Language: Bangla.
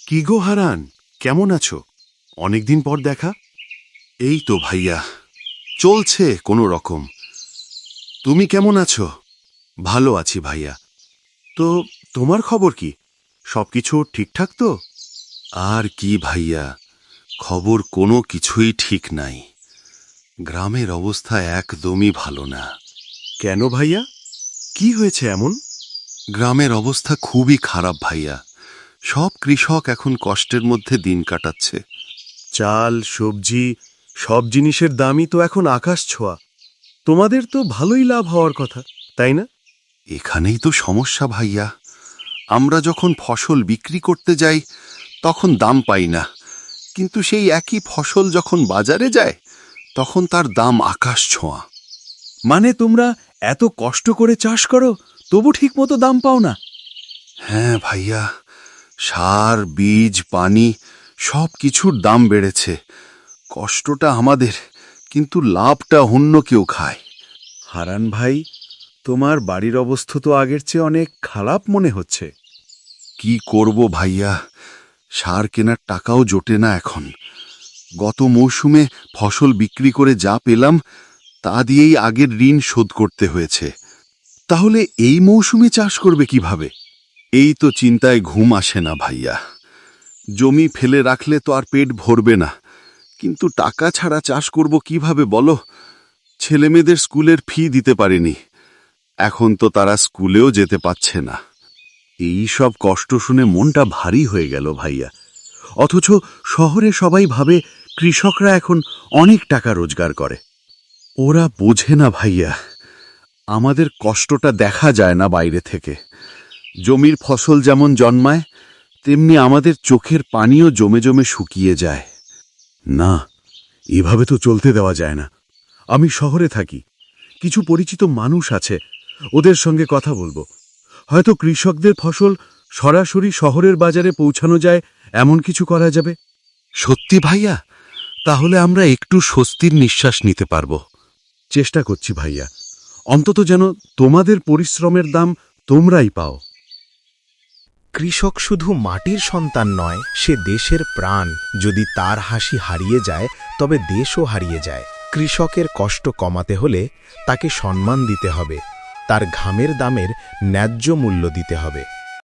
কি গো হারান, কেমন আছো? অনেকদিন পর দেখা। এই তো ভাইয়া, চলছে কোনো রকম। তুমি কেমন আছো? ভালো আছি ভাইয়া। তো তোমার খবর কি? সবকিছু ঠিকঠাক তো? আর কি ভাইয়া, খবর কোনো কিছুই ঠিক নাই। গ্রামের অবস্থা একদমই ভালো না। কেন ভাইয়া, কি হয়েছে এমন? গ্রামের অবস্থা খুবই খারাপ ভাইয়া। সব কৃষক এখন কষ্টের মধ্যে দিন কাটাচ্ছে। চাল, সবজি, সব জিনিসের দামই তো এখন আকাশ ছোঁয়া। তোমাদের তো ভালোই লাভ হওয়ার কথা, তাই না? এখানেই তো সমস্যা ভাইয়া। আমরা যখন ফসল বিক্রি করতে যাই তখন দাম পাই না, কিন্তু সেই একই ফসল যখন বাজারে যায় তখন তার দাম আকাশ ছোঁয়া। মানে তোমরা এত কষ্ট করে চাষ করো, তবু ঠিকমতো দাম পাও না? হ্যাঁ ভাইয়া, সার, বীজ, পানি সব কিছুর দাম বেড়েছে। কষ্টটা আমাদের, কিন্তু লাভটা অন্য কেউ খায়। হারান ভাই, তোমার বাড়ির অবস্থা তো আগের চেয়ে অনেক খারাপ মনে হচ্ছে। কি করব ভাইয়া, সার কেনার টাকাও জোটে না এখন। গত মৌসুমে ফসল বিক্রি করে যা পেলাম তা দিয়েই আগের ঋণ শোধ করতে হয়েছে। তাহলে এই মৌসুমে চাষ করবে কিভাবে? এই তো চিন্তায় ঘুম আসে না ভাইয়া। জমি ফেলে রাখলে তো আর পেট ভরবে না, কিন্তু টাকা ছাড়া চাষ করব কিভাবে বলো? ছেলেমেয়েদের স্কুলের ফি দিতে পারিনি, এখন তো তারা স্কুলেও যেতে পারছে না। এই সব কষ্ট শুনে মনটা ভারী হয়ে গেল ভাইয়া। অথচ শহরে সবাই ভাবে কৃষকরা এখন অনেক টাকা রোজগার করে। ওরা বোঝে না ভাইয়া, আমাদের কষ্টটা দেখা যায় না বাইরে থেকে। জমির ফসল যেমন জন্মায়, তেমনি আমাদের চোখের পানিও জমে জমে শুকিয়ে যায়। না, এভাবে তো চলতে দেওয়া যায় না। আমি শহরে থাকি, কিছু পরিচিত মানুষ আছে, ওদের সঙ্গে কথা বলবো। হয়তো কৃষকদের ফসল সরাসরি শহরের বাজারে পৌঁছানো যায়, এমন কিছু করা যাবে। সত্যি ভাইয়া? তাহলে আমরা একটু স্বস্তির নিঃশ্বাস নিতে পারবো। চেষ্টা করছি ভাইয়া, অন্তত যেন তোমাদের পরিশ্রমের দাম তোমরাই পাও। কৃষক শুধু মাটির সন্তান নয়, সে দেশের প্রাণ। যদি তার হাসি হারিয়ে যায়, তবে দেশও হারিয়ে যায়। কৃষকের কষ্ট কমাতে হলে তাকে সম্মান দিতে হবে, তার ঘামের দামের ন্যায্য মূল্য দিতে হবে।